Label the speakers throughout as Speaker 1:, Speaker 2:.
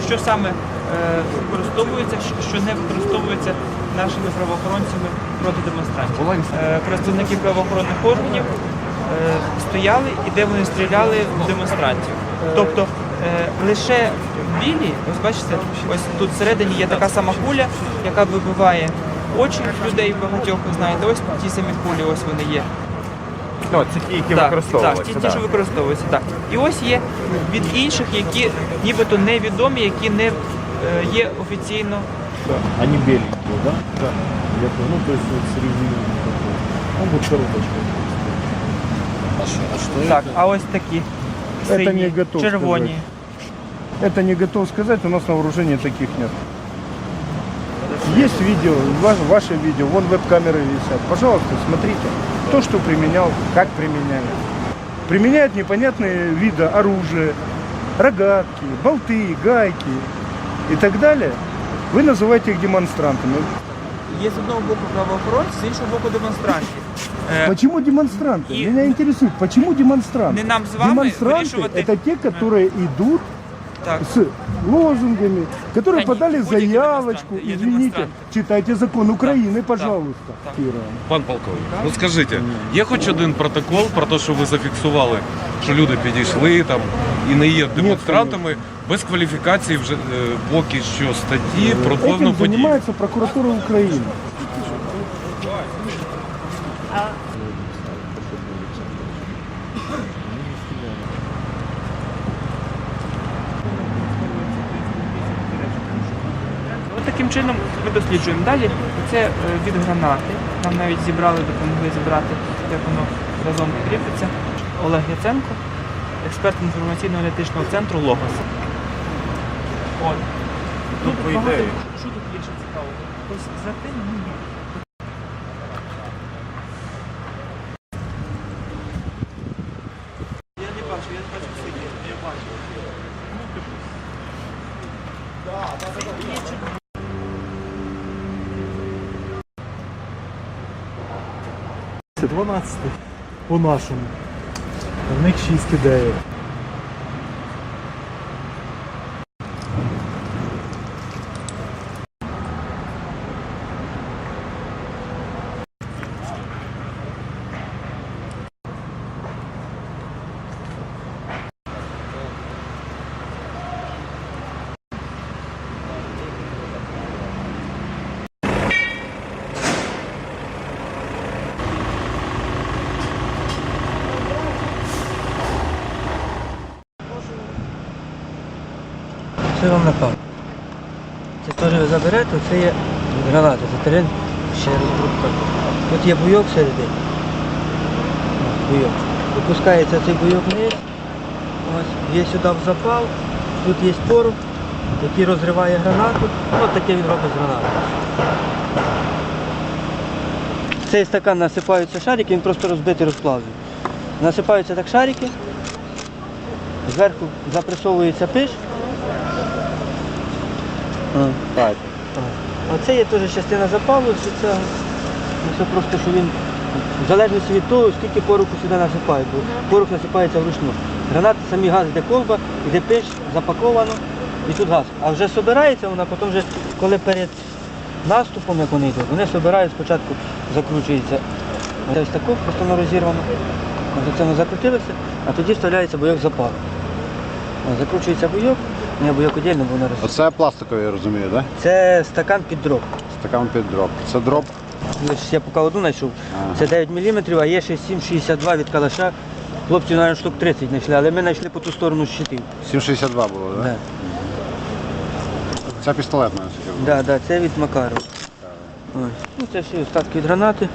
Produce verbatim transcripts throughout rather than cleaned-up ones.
Speaker 1: що саме е, використовується, що не використовується нашими правоохоронцями проти демонстрантів. Е, представники правоохоронних органів е, стояли і де вони стріляли в демонстрантів. Тобто е, лише білі, ось бачите, ось тут всередині є така сама куля, яка вибиває очі людей багатьох, ви знаєте, ось ті самі кулі, ось вони є.
Speaker 2: Ну, це ті, які
Speaker 1: Так,
Speaker 2: використовуються.
Speaker 1: так, ті, ті, що використовуються, так. І ось є від інших, які нібито невідомі, які не е, є офіційно.
Speaker 3: Да. Они беленькие, да? Да. Я понял, ну то есть вот среди такой. Ну вот коробочка.
Speaker 4: А что, а что
Speaker 1: Так,
Speaker 4: это?
Speaker 1: а ось такі
Speaker 3: Це
Speaker 1: сині,
Speaker 3: не готов
Speaker 1: червоні.
Speaker 3: Это не готов сказать, у нас на вооружении таких нет. Есть видео, ва- ваше видео, вон веб-камеры висят. Пожалуйста, смотрите, кто что применял, как применяли. Применяют непонятные виды оружия, рогатки, болты, гайки и так далее. Вы называете их демонстрантами.
Speaker 1: Є з одного боку правоохоронці, з іншого боку демонстрантів. Е,
Speaker 3: Почему демонстранты?
Speaker 1: и-
Speaker 3: Меня интересует, почему демонстранты?
Speaker 1: Не нам с вами
Speaker 3: демонстранты
Speaker 1: вирішувати.
Speaker 3: это те, которые идут
Speaker 1: так.
Speaker 3: с лозунгами, которые
Speaker 1: Конечно,
Speaker 3: подали
Speaker 1: будь-які
Speaker 3: заявочку.
Speaker 1: демонстранты, є
Speaker 3: Извините,
Speaker 1: демонстранты.
Speaker 3: читайте закон Украины,
Speaker 1: так,
Speaker 3: пожалуйста.
Speaker 1: так.
Speaker 3: Кира.
Speaker 5: Пан полковник, ну скажіть, є хоч один протокол про те, що ви зафіксували, що люди підійшли там і не є демонстрантами, без кваліфікації вже е, поки що статті про певну
Speaker 3: Этим
Speaker 5: подію?
Speaker 3: занимается прокуратура Украины.
Speaker 1: От таким чином ми досліджуємо далі. Це е, від гранати. Нам навіть зібрали, допомогли зібрати, як воно разом кріпиться. Олег Яценко, експерт інформаційно-аналітичного центру «Логос». От. Тут
Speaker 2: по
Speaker 1: багато-
Speaker 2: ідеї.
Speaker 1: Що тут є ще цікаво? Ось за тим ні. Я не бачу, я не бачу сидіти. Я бачу.
Speaker 6: дванадцять по нашому. В них шість ідеїв.
Speaker 7: Це вам напав. Це теж ви заберете, це є граната, це терен ще розрубка. Тут є буйок всередині. Ось, буйок. Випускається цей буйок вниз. Ось, є сюди в запал, тут є порох, який розриває гранату. Ось таке він робить з гранатою. В цей стакан насипаються шарики, він просто розбитий, розплавлений. Насипаються так шарики, зверху запресовується пиш.
Speaker 3: Так.
Speaker 7: Оце є теж частина запалу, що це все просто, що він в залежності від того, скільки пороху сюди насипають, бо порох насипається вручну. Гранати, самі газ, йде колба, йде пиш, запаковано і тут газ. А вже збирається вона, потім вже, коли перед наступом, як вони йдуть, вони збирають, спочатку закручується ось таку, просто воно розірвано. Ось це воно закрутилося, а тоді вставляється бойок запалу. Ось, закручується бойок, не бойок віддільно, бо воно роз...
Speaker 4: Оце пластиковий, я розумію, так? Да?
Speaker 7: Це стакан під дроб.
Speaker 4: Стакан під дроб. Це дроб.
Speaker 7: Я поки одну знайшов. Це дев'ять міліметрів, а є ще сім шістдесят два від калаша. Хлопці, навіть штук тридцять знайшли, але ми знайшли по ту сторону щитів.
Speaker 4: сім шістдесят два було, так? Да?
Speaker 7: Да.
Speaker 4: Це пістолетна, наскільки я
Speaker 7: Да, да, це від Макарова. Ось. Ну, це всі остатки від гранати.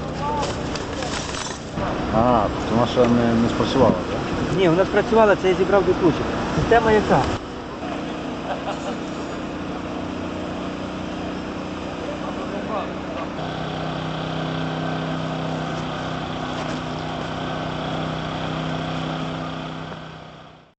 Speaker 4: А, тобто вона ще не, не спрацювала, так?
Speaker 7: Ні, вона спрацювала, це я зібрав до кучі. Система яка?